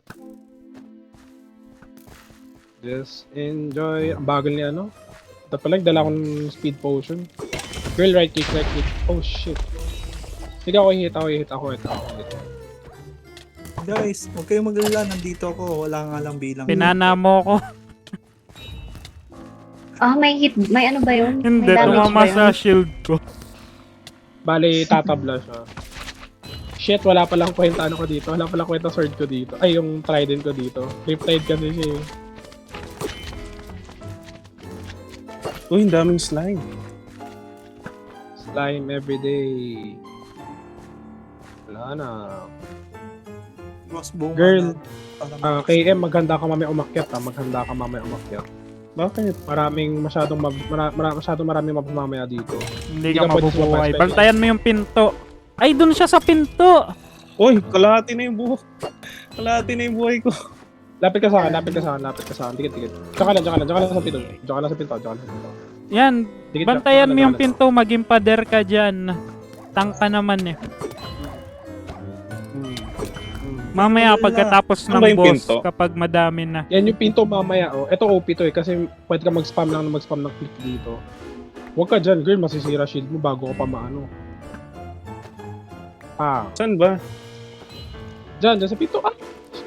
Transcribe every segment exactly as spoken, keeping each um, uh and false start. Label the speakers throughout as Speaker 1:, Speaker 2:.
Speaker 1: Just enjoy. Ang bagal ni ano. Ito pala, dala akong speed potion. Girl, right click, right click. Oh shit. Sige ako, hit ako, hit ako, hit ako. Hit.
Speaker 2: Guys, huwag kayong maglala. Nandito ako. Wala nga lang bilang.
Speaker 3: Pinana mo ko.
Speaker 4: Ah, may hit. May ano ba yun?
Speaker 3: Hindi,
Speaker 4: May damage
Speaker 3: tumama
Speaker 4: ba yun?
Speaker 3: sa shield ko.
Speaker 1: Bali, tatabla siya. Shit, wala palang kwenta ano ko dito. Wala palang kwenta sword ko dito. Ay, yung trident ko dito. Riptide kasi siya eh.
Speaker 5: Uy, ang daming slime.
Speaker 1: Slime everyday. Wala na.
Speaker 2: Mas buong
Speaker 1: Girl,
Speaker 2: na,
Speaker 1: Ah, K M, maghanda ka mamaya umakyat ha. Maghanda ka mamaya umakyat.
Speaker 5: Bakit?
Speaker 1: Maraming masyadong mag, mara, mara, masyadong maraming mamamaya dito.
Speaker 3: Hindi
Speaker 1: Hindi
Speaker 3: ka
Speaker 1: ka pwede
Speaker 3: mabubuhay.
Speaker 1: sumabay.
Speaker 3: Bantayan mo yung pinto. Ay, dun siya sa pinto.
Speaker 5: Uy, kalahati na yung buhok. Kalahati na yung buhay ko.
Speaker 1: Lapit ka sa akin, lapit ka sa akin, lapit ka sa akin. Dikit, dikit. Tsaka lang, tsaka lang, tsaka lang sa pinto. Tsaka lang sa pinto, tsaka lang sa pinto.
Speaker 3: Yan.
Speaker 1: Dikit,
Speaker 3: Bantayan
Speaker 1: tsaka
Speaker 3: mo
Speaker 1: lang,
Speaker 3: yung
Speaker 1: tsaka lang.
Speaker 3: pinto. Maging pader ka dyan. Tangka naman eh.
Speaker 5: Hmm.
Speaker 3: Mamaya pagkatapos
Speaker 5: Ano
Speaker 3: ng
Speaker 5: ba yung
Speaker 3: boss,
Speaker 5: pinto?
Speaker 3: kapag madami na.
Speaker 1: Yan yung pinto mamaya, oh. Ito O P to eh, kasi pwede ka mag-spam lang na mag-spam ng click dito. Huwag ka dyan, girl, masisira shield mo bago ka pa maano. Ah,
Speaker 5: Saan ba?
Speaker 1: dyan, dyan sa pinto, ah!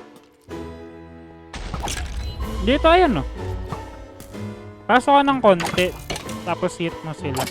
Speaker 3: Dito, ayan o. Pasok ka ng konti. Tapos hit mo sila.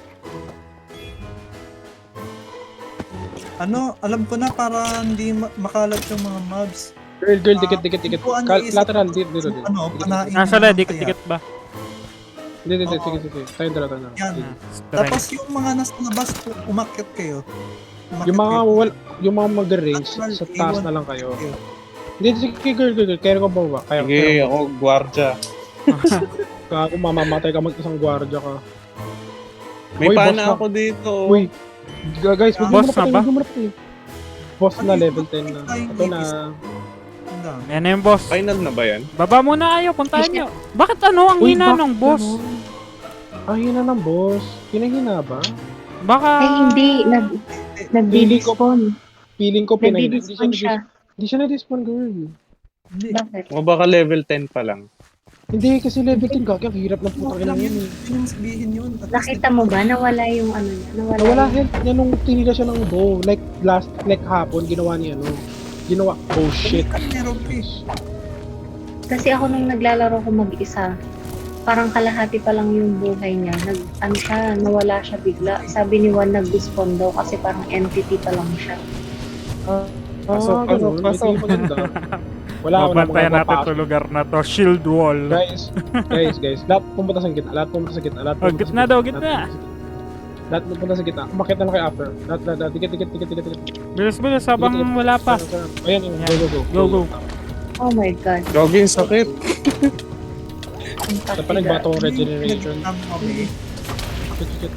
Speaker 2: ano, alam ko na para hindi ma- makalat yung mga mobs.
Speaker 1: Girl, girl, dikit, dikit, dikit.
Speaker 2: Kung ano
Speaker 1: Kal-
Speaker 2: yung isa-
Speaker 1: lateral, dito, dito, dito.
Speaker 2: Ano,
Speaker 1: Dikit,
Speaker 2: panain.
Speaker 1: dikit.
Speaker 3: Nasa
Speaker 2: ng
Speaker 3: la,
Speaker 2: kaya.
Speaker 3: dikit-dikit ba?
Speaker 1: Hindi, hindi,
Speaker 2: Oo.
Speaker 1: sige, sige. Tayo dala, tayo dala.
Speaker 2: Yan.
Speaker 1: Sige.
Speaker 2: Tapos yung mga nasa labas, umakyat kayo. Umakyat
Speaker 1: Yung mga,
Speaker 2: kayo.
Speaker 1: wal, yung mga mag-range,
Speaker 2: Lateral,
Speaker 1: sa taas
Speaker 2: iwan.
Speaker 1: na lang kayo.
Speaker 2: kayo.
Speaker 1: Hindi, sige, girl, girl, girl. Kaya ko ba ba? Kaya,
Speaker 5: Sige,
Speaker 1: kaya
Speaker 5: ako, gwardya.
Speaker 1: Kaya kung mamamatay ka mag-isang gwardiya ka.
Speaker 5: May
Speaker 1: Uy, boss
Speaker 5: pana
Speaker 1: na.
Speaker 5: ako dito.
Speaker 1: Uy, g- guys, huwag mo
Speaker 3: Boss
Speaker 1: na
Speaker 3: na
Speaker 1: patay,
Speaker 3: ba?
Speaker 1: huwag mo na patay. Boss na,
Speaker 2: Ano yung
Speaker 1: level
Speaker 2: boss?
Speaker 1: ten na.
Speaker 2: Flying
Speaker 1: Ito na.
Speaker 2: babies. Ang dami.
Speaker 3: Yan na yung boss.
Speaker 5: Final na ba yan?
Speaker 3: Baba muna kayo, puntahan nyo. Bakit ano ang
Speaker 1: Uy,
Speaker 3: hina
Speaker 1: bakit
Speaker 3: ng boss?
Speaker 1: ganun? Ang hina ng boss. Hinahina ba?
Speaker 3: Baka...
Speaker 4: Ay, hindi. Nag, nag-despawn.
Speaker 1: Feeling ko pinahina. Hindi siya,
Speaker 4: Nag-despawn siya.
Speaker 1: na-dis- hindi siya na-despawn, girl.
Speaker 2: Hindi.
Speaker 4: Bakit?
Speaker 5: O baka level ten pa lang.
Speaker 1: Hindi, kasi level ten gagi. Ang hirap ng
Speaker 2: Okay
Speaker 1: putang
Speaker 2: lang
Speaker 1: ina
Speaker 2: yun.
Speaker 1: yan eh.
Speaker 2: Yun yung sabihin yun. At least
Speaker 4: Nakita mo ba? Nawala yung ano niya. Nawala,
Speaker 1: Nawala
Speaker 4: yung...
Speaker 1: health niya nung tinila siya ng bow. Like last, like hapon, ginawa niya ano. Ginawa, oh shit.
Speaker 2: Meron pa eh.
Speaker 4: Kasi ako nung naglalaro ko mag-isa, parang kalahati pa lang yung buhay niya. Nag, ano siya, nawala siya bigla. Sabi ni Juan nag-despawn daw kasi parang entity pa lang siya.
Speaker 1: Ah,
Speaker 5: Pasok,
Speaker 1: ah,
Speaker 5: pasok,
Speaker 1: ganun.
Speaker 5: pasok.
Speaker 1: Hindi maganda. Wala, wala
Speaker 3: Babantayan
Speaker 1: mga
Speaker 3: natin
Speaker 1: papasok.
Speaker 3: to lugar na to. Shield wall.
Speaker 1: Guys, guys, guys, lahat pumunta sa gitna, lahat pumunta sa gitna, lahat
Speaker 3: Oh,
Speaker 1: pumunta
Speaker 3: gitna
Speaker 1: sa
Speaker 3: daw,
Speaker 1: lahat
Speaker 3: gitna.
Speaker 1: pumunta sa gitna. Lahat pumunta sa gitna. Umakit na lang kay after. Lahat, lahat, lahat, dikit, dikit, dikit, dikit, dikit.
Speaker 3: Bilis-bilis habang
Speaker 1: Dikit, dikit.
Speaker 3: wala pa.
Speaker 1: Sarap, sarap. Ayan, yun, go, go, go.
Speaker 3: Go, go.
Speaker 4: Oh my God.
Speaker 5: Gogi, yung sakit.
Speaker 4: Ang
Speaker 1: Sa pa nagbato ang
Speaker 2: Yung
Speaker 1: regeneration.
Speaker 2: pinag- kami,
Speaker 1: Dikit, dikit.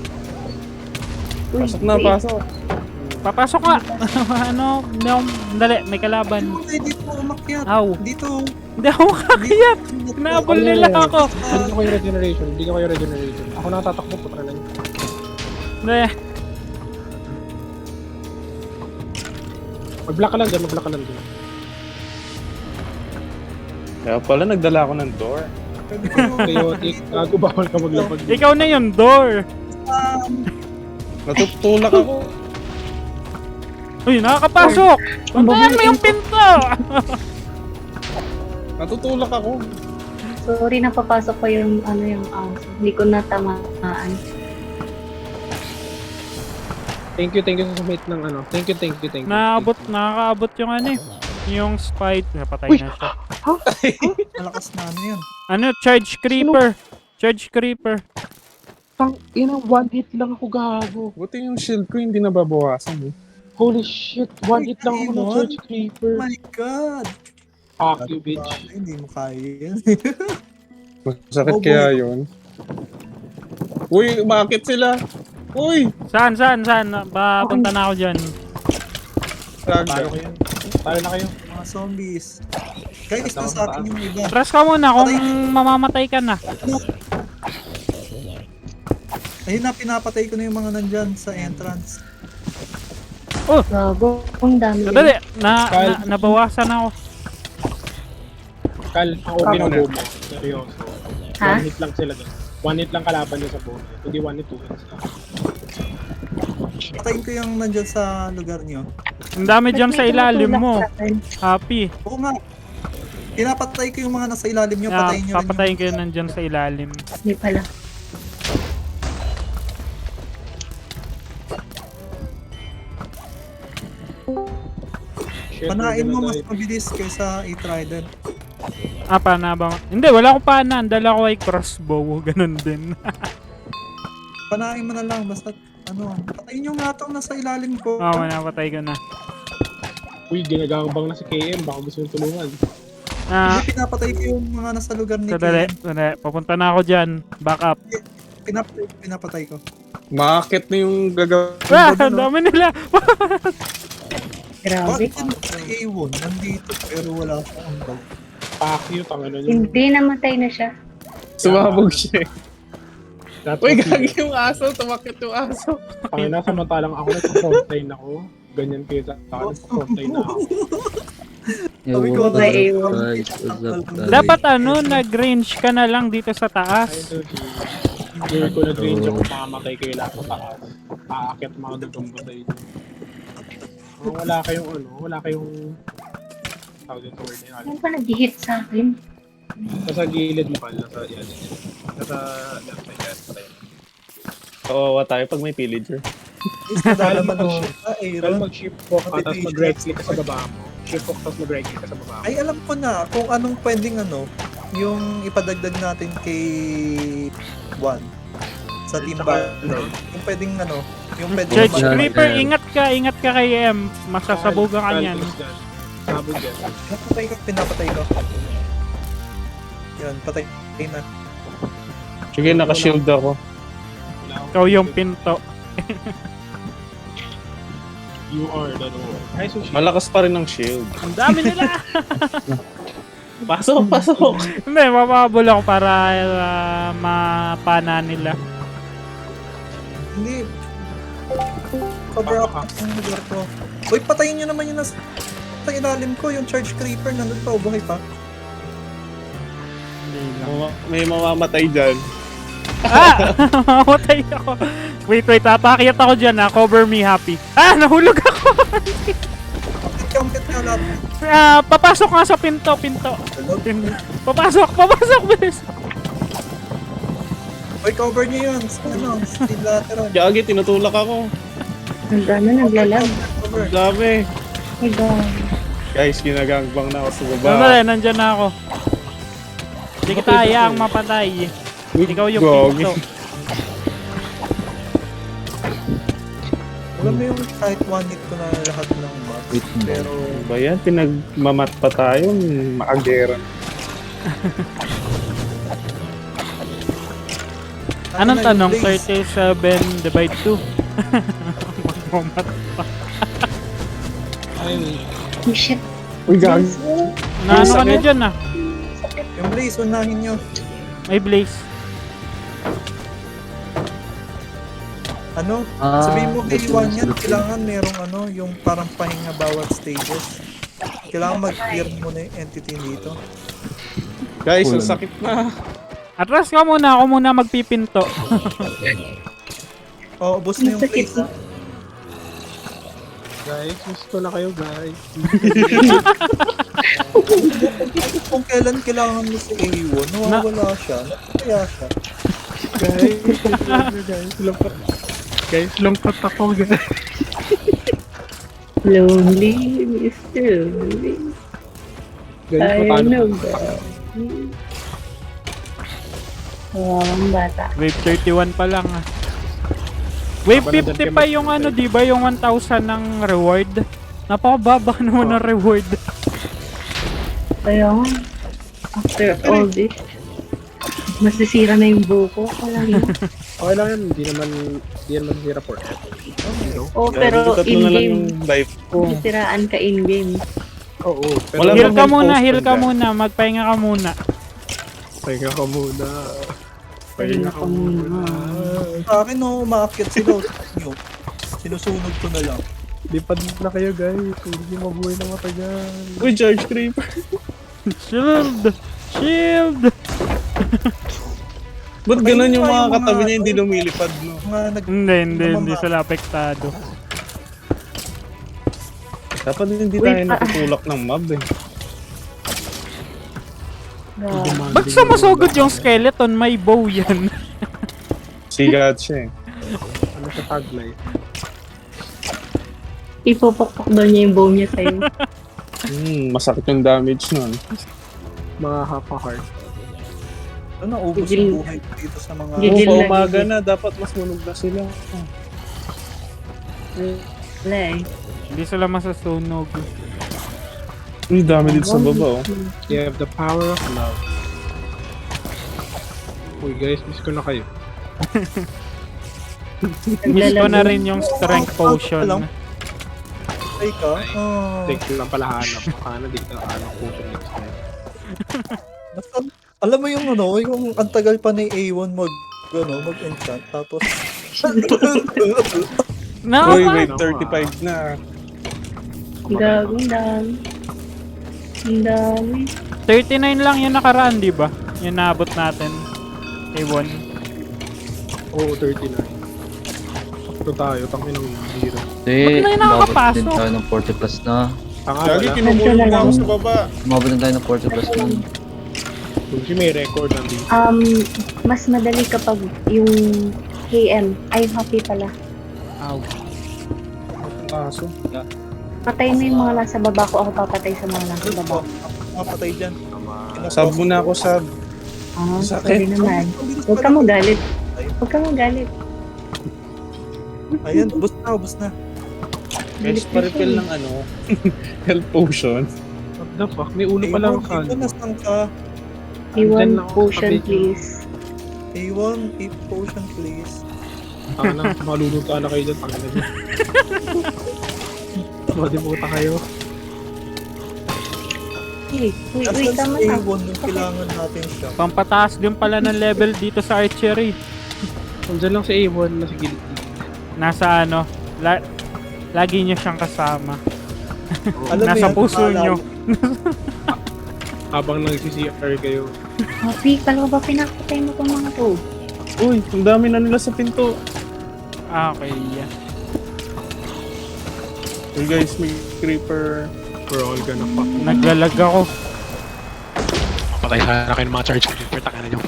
Speaker 4: Uy,
Speaker 5: Pasok na,
Speaker 4: wait.
Speaker 5: pasok.
Speaker 3: Papasok ka. ano, no, dali, may kalaban.
Speaker 2: Ay, dito umakyat.
Speaker 3: Aw,
Speaker 2: Dito.
Speaker 3: hindi ako kakayat. Kinabol nila ako.
Speaker 1: Hindi ko yung regeneration, hindi ko yung regeneration. Ako natatakbo, putra na yun.
Speaker 3: Hindi.
Speaker 1: Mag-block ka lang dyan, mag-block ka lang dyan.
Speaker 5: Kaya pala, nagdala ako ng door.
Speaker 2: Pwede kayo.
Speaker 1: Chaotic, gago, bawal ka maglapag.
Speaker 3: Ikaw na yung door.
Speaker 2: Um,
Speaker 5: Natutulak ako.
Speaker 3: Uy, nakakapasok. Puntahan mo yung pinto.
Speaker 5: Natutulak ako.
Speaker 4: Sorry, napapasok ko yung ano yung aso. Hindi ko natamaan.
Speaker 1: Thank you, thank you sa submit ng ano. Thank you, thank you, thank you.
Speaker 3: Naabot, nakakaabot yung ano eh. Yung spite. Napatay
Speaker 1: Uy!
Speaker 3: na siya.
Speaker 2: malakas na ano yun.
Speaker 3: Ano, charge creeper. Charge creeper.
Speaker 1: Tang, ina, one hit lang ako gago.
Speaker 5: Buti yung shield ko hindi nababawasan eh.
Speaker 1: Holy shit, one hit lang ako ng
Speaker 2: Ay,
Speaker 1: Church
Speaker 2: Oh
Speaker 1: Creeper.
Speaker 2: my God.
Speaker 1: Fuck you, bitch.
Speaker 2: Ay, hindi mo kaya yan.
Speaker 5: Masakit
Speaker 2: Oh, boy.
Speaker 5: kaya yun. Uy, bakit sila? Uy!
Speaker 3: Saan, saan, saan? Papunta na ako dyan.
Speaker 1: Talo
Speaker 5: Raga.
Speaker 1: kayo. Talo na kayo.
Speaker 2: Mga zombies. Guys, nasa akin yung iba.
Speaker 3: Press ka muna kung mamamatay ka na.
Speaker 2: Ayun na, pinapatay ko na yung mga nandyan sa entrance.
Speaker 4: Gago, ang dami.
Speaker 3: Dali, na, na, nabawasan ako.
Speaker 1: Kal, ang O P ng bow mo. Seryoso.
Speaker 4: Ha?
Speaker 1: One hit lang sila doon. One hit lang kalaban nyo sa bow. Hindi one hit, two hits lang.
Speaker 2: Patayin ko yung nandyan sa lugar nyo.
Speaker 3: Ang dami dyan sa
Speaker 4: May
Speaker 3: ilalim
Speaker 4: tumutulak
Speaker 3: mo.
Speaker 4: sa akin.
Speaker 3: Happy.
Speaker 2: Oo nga. Pinapatay ko yung mga nasa ilalim nyo.
Speaker 3: Yeah,
Speaker 2: Patayin nyo rin
Speaker 3: papatayin
Speaker 2: yung...
Speaker 3: ko yun nandyan sa ilalim.
Speaker 4: Hindi pala.
Speaker 1: Shit,
Speaker 2: Panain
Speaker 1: we're
Speaker 2: mo
Speaker 1: gonna
Speaker 2: mas
Speaker 1: die.
Speaker 2: mabilis kaysa i-trident.
Speaker 3: Ah, pana ba? Hindi, wala akong pana. Ang dala ko ay crossbow. Ganun din.
Speaker 2: Panain mo na lang. Basta ano. Patayin nyo nga itong nasa ilalim ko.
Speaker 3: Oo, oh, napatay ko na.
Speaker 1: Uy, ginagambang na si K M. Baka gusto yung tulungan.
Speaker 3: Ah,
Speaker 2: Hindi pinapatay ko yung mga nasa lugar ni
Speaker 3: sadali,
Speaker 2: Kim.
Speaker 3: sadali. Papunta na ako dyan. Back up.
Speaker 2: Pinapatay, pinapatay ko.
Speaker 5: Makakit na yung gagawin.
Speaker 3: Ah, ang dami nila.
Speaker 4: Grabe.
Speaker 2: Bakit yun sa A one nandito pero wala siyang bag?
Speaker 1: Fuck you, tangin yun.
Speaker 4: Hindi, namatay na siya.
Speaker 5: Sumabog siya. eh.
Speaker 1: That
Speaker 5: Uy,
Speaker 1: was
Speaker 5: gagi
Speaker 1: it.
Speaker 5: yung aso. Tumakit yung aso.
Speaker 1: Tangin na, samantalang ako nagpa-frontline ako. Ganyan kayo sa akin, nagpa-frontline na ako.
Speaker 6: Yo,
Speaker 2: Sabi ko,
Speaker 6: what's
Speaker 4: ba,
Speaker 6: up,
Speaker 4: eh,
Speaker 6: guys? What's up, guys?
Speaker 3: Dapat ano, nag-range ka na lang dito sa
Speaker 1: Ayun
Speaker 3: taas.
Speaker 1: to, Hindi ko nag-range ako, makamatay kayo lahat sa taas. Aakit mga dugong sa inyo. Oh, wala kayong ano, wala kayong... Tawag dito word na yun.
Speaker 4: Ano pa nag-hit sa akin?
Speaker 1: Nasa gilid mo, Kal. Nasa, yan. Nasa left side, left side.
Speaker 5: Kawawa tayo pag may pillager.
Speaker 2: Is nadalaman
Speaker 1: Kal,
Speaker 2: mo siya. Ah,
Speaker 1: Kal,
Speaker 2: Aaron.
Speaker 1: mag-shift walk ka, tapos mag-right click ka sa baba mo. Shift walk, tapos mag-right click ka sa baba mo.
Speaker 2: Ay, alam ko na kung anong pwedeng ano, yung ipadagdag natin kay Juan sa team battle. Yung pwedeng ano, yung pwedeng
Speaker 3: Church
Speaker 6: Yeah,
Speaker 3: Creeper,
Speaker 6: yeah.
Speaker 3: ingat ka, ingat ka kay M. Masasabugan ka
Speaker 1: Kal,
Speaker 3: niyan.
Speaker 1: please, Kal. Sabog yan.
Speaker 2: Pinapatay ko, pinapatay ko. Yun, patay na.
Speaker 5: Sige, nakashield ako.
Speaker 1: Wala akong-
Speaker 3: Ikaw yung pinto.
Speaker 1: You are the door. Ay, sushi.
Speaker 5: Malakas pa rin ang shield.
Speaker 3: Ang dami nila.
Speaker 5: Pasok, pasok.
Speaker 3: Hindi, mapapabol ako para uh, mapana nila.
Speaker 2: Hindi. Cover up ang lugar ko. Uy, patayin nyo naman yung nasa sa ilalim ko, yung charge creeper, nandun pa, o buhay pa.
Speaker 5: Mama- May mamamatay dyan.
Speaker 3: Ah! Mamatay ako. Wait, wait. Papakyat ako dyan ha. Cover me, Happy. Ah! Nahulog ako.
Speaker 2: Count ka lahat.
Speaker 3: Ah, papasok nga sa pinto, pinto. Pin- Papasok, papasok, bilis.
Speaker 2: Uy, cover nyo yun. Ano, steel lateral.
Speaker 5: Gagi, tinutulak ako.
Speaker 4: Ang dami naglalag.
Speaker 2: Cover.
Speaker 5: Ang dami.
Speaker 4: My God.
Speaker 5: Guys, ginagangbang na ako sa baba.
Speaker 3: Sandali, nandyan na ako. Hindi kita hayaang mapatay. Ikaw yung
Speaker 5: Gagi.
Speaker 3: pinto.
Speaker 2: Alam mo yung kahit one hit ko na lahat ng box.
Speaker 6: Wait,
Speaker 2: Pero,
Speaker 5: Ba yan? Pinagmamat pa tayo. Maagera.
Speaker 3: Anong
Speaker 2: Ano na
Speaker 3: tanong?
Speaker 2: yung blaze?
Speaker 3: thirty-seven divide two. Magmamat.
Speaker 1: Ay,
Speaker 4: Oh, shit.
Speaker 5: Uy, gagi.
Speaker 3: Na ano ka na
Speaker 5: sakit.
Speaker 3: dyan ah?
Speaker 2: Yung blaze, unahin nyo.
Speaker 3: May blaze.
Speaker 2: Ano?
Speaker 6: Ah,
Speaker 2: Sabihin mo kay
Speaker 6: that's
Speaker 2: Juan
Speaker 6: nice
Speaker 2: yan,
Speaker 6: to
Speaker 2: kailangan merong ano, yung parang pahinga bawat stages. Kailangan mag-clear muna yung entity dito.
Speaker 5: Guys, ang
Speaker 6: Cool.
Speaker 5: sakit na.
Speaker 3: Atras ka muna. Ako muna magpipinto.
Speaker 2: Oh, ubos na yung
Speaker 4: Sakit.
Speaker 2: blaze.
Speaker 1: guys, gusto na kayo, guys.
Speaker 2: Kung kailan kailangan mo si A one, nawawala siya. Kaya siya.
Speaker 1: guys, guys, lungkot. Guys, lungkot ako, guys.
Speaker 4: Lonely, mister Lonely.
Speaker 1: Guys,
Speaker 4: I
Speaker 1: matalo.
Speaker 4: know that. Kawawang bata.
Speaker 3: Wave thirty-one pa lang ah. Wave
Speaker 1: Laban na
Speaker 3: fifty
Speaker 1: dyan
Speaker 3: pa
Speaker 1: kayo
Speaker 3: yung
Speaker 1: mag-
Speaker 3: ano, di ba? Yung one thousand ng reward. Napakababa naman ng reward.
Speaker 4: Kaya nga, after all this, masisira na yung buko. Wala yun.
Speaker 1: Okay lang yan, hindi naman, hindi naman zero for it.
Speaker 4: Oh,
Speaker 5: Gagi,
Speaker 4: pero
Speaker 5: tatlo na lang
Speaker 4: in-game,
Speaker 5: yung life ko.
Speaker 4: masisiraan ka in-game.
Speaker 1: Oo, pero
Speaker 5: Wala
Speaker 3: Heal
Speaker 5: bang
Speaker 3: ka
Speaker 5: may
Speaker 3: muna,
Speaker 5: post
Speaker 3: heal ka
Speaker 5: dyan?
Speaker 3: muna. Magpahinga ka muna.
Speaker 1: pahinga ka muna.
Speaker 4: Pahinga ka muna.
Speaker 2: Sa akin, no, umaakyat sila. Nyo. Sinusunod ko na lang.
Speaker 1: Lipad na kayo, guys. Hindi mabuhay na matagal.
Speaker 5: Uy, Charge Creeper.
Speaker 3: Shield! Shield!
Speaker 5: Ba't ganun yung mga
Speaker 2: Ayun, yung
Speaker 5: katabi
Speaker 2: mga-
Speaker 5: niya hindi lumilipad, no?
Speaker 2: Mga nag...
Speaker 3: Hindi, hindi,
Speaker 2: Naman
Speaker 3: hindi
Speaker 2: ba?
Speaker 3: sila apektado.
Speaker 5: Dapat hindi
Speaker 4: Wait,
Speaker 5: tayo
Speaker 4: ah.
Speaker 5: natutulak ng mob eh.
Speaker 4: God.
Speaker 3: Ba't sumusugod yung skeleton? May bow yan.
Speaker 5: Sigat siya eh.
Speaker 1: Ano sa taglay?
Speaker 4: Ipopokpok daw niya yung bow niya sa'yo.
Speaker 5: Hmm, masakit yung damage nun.
Speaker 1: Mga half a heart.
Speaker 2: Ano, naubos
Speaker 4: Gigil.
Speaker 2: yung buhay ko dito sa mga...
Speaker 4: Gigil.
Speaker 5: Oo,
Speaker 4: na,
Speaker 5: umaga
Speaker 4: gigil.
Speaker 5: na. Dapat mas munog na sila.
Speaker 4: Wala eh.
Speaker 3: Hindi sila masasunog.
Speaker 5: Uy, dami dito sa baba oh.
Speaker 1: You have the power of love. Uy guys, miss ko na kayo.
Speaker 3: Miss ko na rin yung strength potion.
Speaker 2: Ay ka? Oh,
Speaker 1: Take lang pala hanap. Baka na di ka hanap potion next time.
Speaker 2: basta, alam mo yung ano, yung ang tagal pa ni A one mag, ano, mag-enchant, tapos...
Speaker 3: No,
Speaker 5: Uy,
Speaker 3: ma-
Speaker 5: wait, thirty-five na.
Speaker 4: Gago, ang dami. Ang dami.
Speaker 3: thirty-nine lang yung nakaraan, di ba? Yung naabot natin. A one.
Speaker 1: Oo, thirty-nine. Ito tayo, tangin ng hero.
Speaker 6: Hindi,
Speaker 3: Ba't na yun
Speaker 6: umabot
Speaker 3: nakakapasok?
Speaker 6: din tayo ng forty plus na.
Speaker 1: Tanga
Speaker 5: Lagi
Speaker 1: wala.
Speaker 5: kinumulong na ako sa baba.
Speaker 6: Umabot din tayo ng forty plus na.
Speaker 1: Kung si may record nandito.
Speaker 4: Um, mas madali kapag yung K M ay happy pala.
Speaker 3: Ow.
Speaker 5: Kaso.
Speaker 4: Patay mo yung mga nasa baba ko, ako papatay sa mga nasa
Speaker 2: Ano
Speaker 4: baba.
Speaker 2: po? Mapatay dyan.
Speaker 5: Sab mo na ako, sab.
Speaker 4: Ah,
Speaker 5: Sakit.
Speaker 4: pwede naman. Huwag ka magalit. Huwag ka magalit.
Speaker 2: Ayan, ubos na, ubos na.
Speaker 5: Guys, pa-refill ng ano, health potion.
Speaker 1: What the fuck? May ulo pa lang
Speaker 2: A one,
Speaker 1: ka.
Speaker 2: nasaan ka?
Speaker 4: A one
Speaker 1: Andyan lang ako sa
Speaker 4: potion,
Speaker 1: tabi.
Speaker 4: please.
Speaker 2: A one, a potion please.
Speaker 1: Tanga na, maluluto na kayo dyan. Tanga na dyan. Pwede puta kayo.
Speaker 4: Hey, wait,
Speaker 2: Nasaan
Speaker 4: wait,
Speaker 2: si
Speaker 4: tama
Speaker 2: A
Speaker 4: na.
Speaker 2: one yung kailangan natin siya?
Speaker 3: Pampataas din pala ng level dito sa archery.
Speaker 1: Nandiyan lang si A one na si Gilid.
Speaker 3: Nasa ano, la- lagi niyo siyang kasama.
Speaker 2: Alam mo
Speaker 3: Nasa
Speaker 2: yan,
Speaker 3: puso
Speaker 2: naalala
Speaker 3: nyo.
Speaker 2: ko.
Speaker 1: Habang nag-C R kayo.
Speaker 4: Happy, kala ko ba pinapatay mo itong mga to?
Speaker 5: Uy, ang dami na nila sa pinto.
Speaker 3: Ah, okay, yeah.
Speaker 5: Uy guys, may creeper.
Speaker 1: We're all gonna fuck.
Speaker 3: Naglalag ako.
Speaker 1: Patay sana kayo ng mga charge creeper. Tanga na nyo.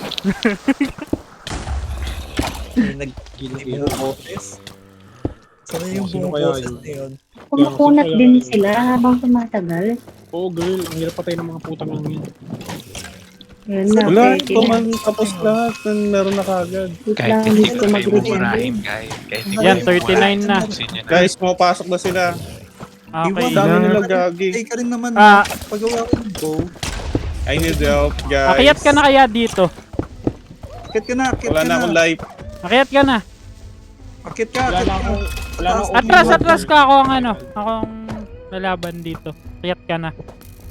Speaker 2: May nag-buong boses. Sana yung
Speaker 1: Sino
Speaker 2: buong
Speaker 1: kaya
Speaker 2: boses
Speaker 1: yun?
Speaker 2: na yun?
Speaker 4: Kumukunat din sila habang tumatagal.
Speaker 1: Oo girl, ang hirap patay ng mga putang lang yun.
Speaker 4: Yun na,
Speaker 5: Wala,
Speaker 4: pwede
Speaker 5: ito
Speaker 4: na.
Speaker 5: man tapos lahat. Meron na kagad.
Speaker 4: Wait lang, hindi ko mag-regen.
Speaker 7: guys. Kahit
Speaker 3: Yan, thirty-nine na.
Speaker 5: Guys, mapasok na sila.
Speaker 3: Okay.
Speaker 5: Ang dami nila gagi.
Speaker 2: Ay ka rin naman,
Speaker 3: Ah.
Speaker 2: pagawa ko yung bow.
Speaker 5: I need help, guys.
Speaker 3: Akyat ka na kaya dito.
Speaker 2: Akit ka na, akit
Speaker 5: Wala
Speaker 2: ka
Speaker 5: na akong
Speaker 2: na.
Speaker 5: life.
Speaker 3: Akyat ka na.
Speaker 2: Akit ka,
Speaker 1: Wala
Speaker 2: akit
Speaker 1: na
Speaker 2: ka.
Speaker 1: akong... Wala na akong...
Speaker 3: Atras, atras ka ako ang ano. Ako ang lalaban dito. Akyat ka na.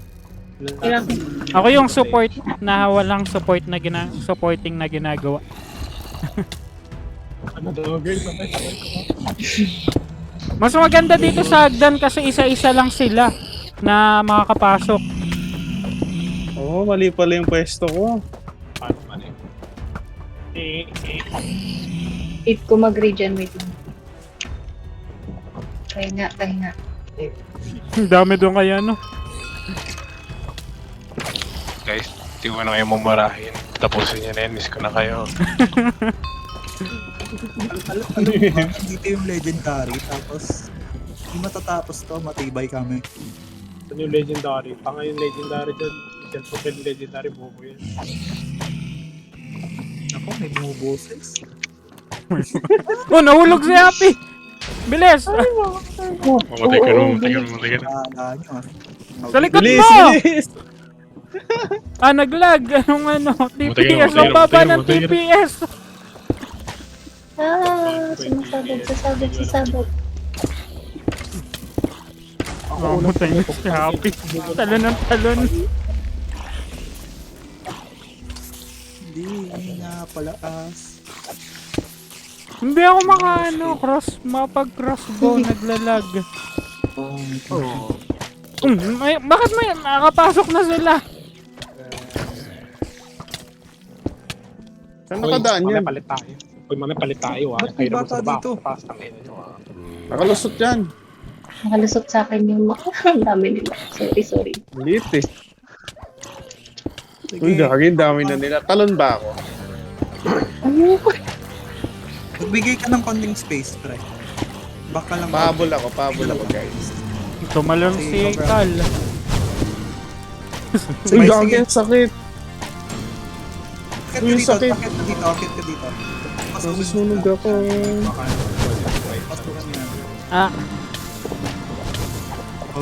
Speaker 3: Ako yung support na walang support na gina supporting na ginagawa.
Speaker 1: Ano daw girl? Patay, patay ko.
Speaker 3: Mas maganda dito sa Hagdan kasi isa-isa lang sila na makakapasok.
Speaker 5: Oo, oh, mali pala yung pwesto ko.
Speaker 1: Paano man eh? Eh, eh.
Speaker 4: Wait ko mag-regen, wait lang. Kaya nga, kaya nga.
Speaker 3: Ang dami doon kaya no.
Speaker 7: Guys, di ko na kayo mumurahin. Tapusin niyo na yan. Miss ko na kayo.
Speaker 2: Alam ano ba? Dito yung legendary, tapos hindi matatapos to, matibay kami.
Speaker 1: Ano yung legendary? Tanga yung legendary dyan. Isang super legendary buko yan.
Speaker 2: Ako, may bumuboses.
Speaker 3: Oh, nahulog si Happy! Bilis!
Speaker 4: Oh,
Speaker 7: Mamatay ka
Speaker 4: oo,
Speaker 7: naman, mamatay ka naman, mamatay ka naman.
Speaker 2: Naalala nyo ah.
Speaker 3: Sa likod
Speaker 5: Bilis,
Speaker 3: mo!
Speaker 5: bilis!
Speaker 3: Ah, naglag! Anong ano? T P S!
Speaker 7: Matay ka,
Speaker 3: Ang
Speaker 7: matay ka,
Speaker 3: baba
Speaker 7: matay ka,
Speaker 3: ng T
Speaker 7: matay ka.
Speaker 3: P S!
Speaker 4: Ah, sumasabog, sasabog, sasabog.
Speaker 3: Oh, mutay na si Happy. Talon ng talon.
Speaker 2: Hindi, hindi nga palaas.
Speaker 3: Hindi ako makaano, cross, mapag-crossbow, naglalag.
Speaker 6: Oh,
Speaker 1: Oo.
Speaker 3: Um, may, bakit may nakapasok na sila?
Speaker 5: Saan nakadaan
Speaker 1: Uy,
Speaker 5: yan?
Speaker 1: mamaya palit tayo. Uy, mamaya palit tayo ah.
Speaker 2: Ba't may
Speaker 1: Kayo naman
Speaker 2: bata
Speaker 1: sa baba.
Speaker 2: dito?
Speaker 1: Taas ng ina nyo ah.
Speaker 5: Nakalusot yan.
Speaker 4: Nakalusot sa akin yung mga ang dami nila. Sorry, sorry.
Speaker 5: Lit eh.
Speaker 2: Sige.
Speaker 5: Uy, gagawin, dami na nila. Talon ba ako?
Speaker 4: Ano?
Speaker 2: Magbigay ka ng konting space, pre. Baka lang.
Speaker 5: Pahabol ako, pahabol ako guys.
Speaker 3: Tumalon si Kal.
Speaker 5: Uy,
Speaker 2: Sige,
Speaker 5: gagawin,
Speaker 2: sige.
Speaker 5: sakit.
Speaker 2: Akit ka
Speaker 5: Uy,
Speaker 2: dito,
Speaker 5: sakit.
Speaker 2: akit ka dito, akit ka dito.
Speaker 5: Nasusunog ako.
Speaker 1: Baka wait.
Speaker 2: Pasukan niya.
Speaker 3: Ah,
Speaker 2: Au.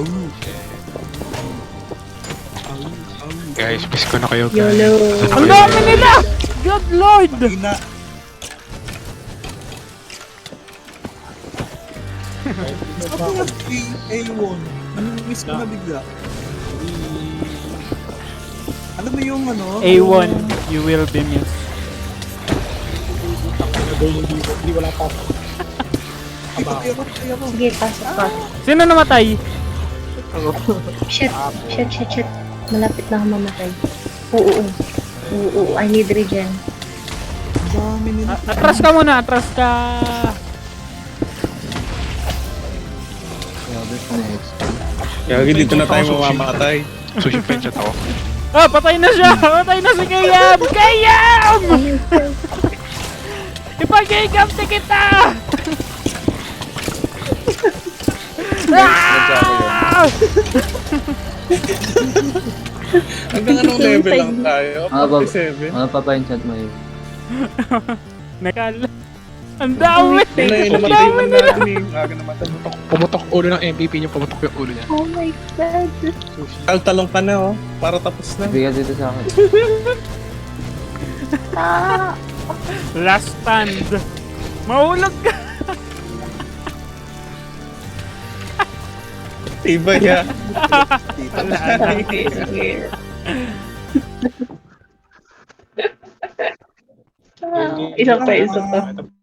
Speaker 7: Guys, miss ko na kayo, guys.
Speaker 4: YOLO.
Speaker 3: ang dami nila! God Lord!
Speaker 2: Ina. Sabi nga A one. Miss ko na bigla. Ano ba yung ano?
Speaker 3: A one, you will be missed.
Speaker 1: Nagawin hindi, hindi wala pa.
Speaker 2: Ay, patay ako, patay ako.
Speaker 4: Sige, pasok pa.
Speaker 3: Sino namatay?
Speaker 4: Shit, shit, shit, shit. Malapit na ako mamatay. Oo, oo. Oo, oo. I need regen.
Speaker 2: Ang dami nila.
Speaker 3: A- atras ka muna, atras ka.
Speaker 6: Grabe pa next.
Speaker 5: Kaya dito na tayo mamamatay.
Speaker 7: Sushi penchant ako.
Speaker 3: Ah, patay na siya! Patay na si Kayam! Kayam! Ipag-igamti kita! Ah!
Speaker 5: Hanggang anong level lang tayo?
Speaker 6: Ah, bab-
Speaker 5: forty-seven?
Speaker 6: Ano pa pa yung chat mo yun?
Speaker 3: Nakal. Ang dami!
Speaker 5: Yun na yun,
Speaker 3: Ang
Speaker 5: namatay
Speaker 3: dami
Speaker 5: man
Speaker 3: nila!
Speaker 5: natin eh. Aga namatay.
Speaker 7: Pumutok ulo ng M V P niyo, pumutok yung ulo niya.
Speaker 4: Oh my god.
Speaker 5: Taltalong ka na oh. Para tapos na.
Speaker 6: Bigyan dito sa akin.
Speaker 4: Ah,
Speaker 3: Last stand. Mahulog ka!
Speaker 5: Iba ya.
Speaker 4: ah, isa pa, isa pa.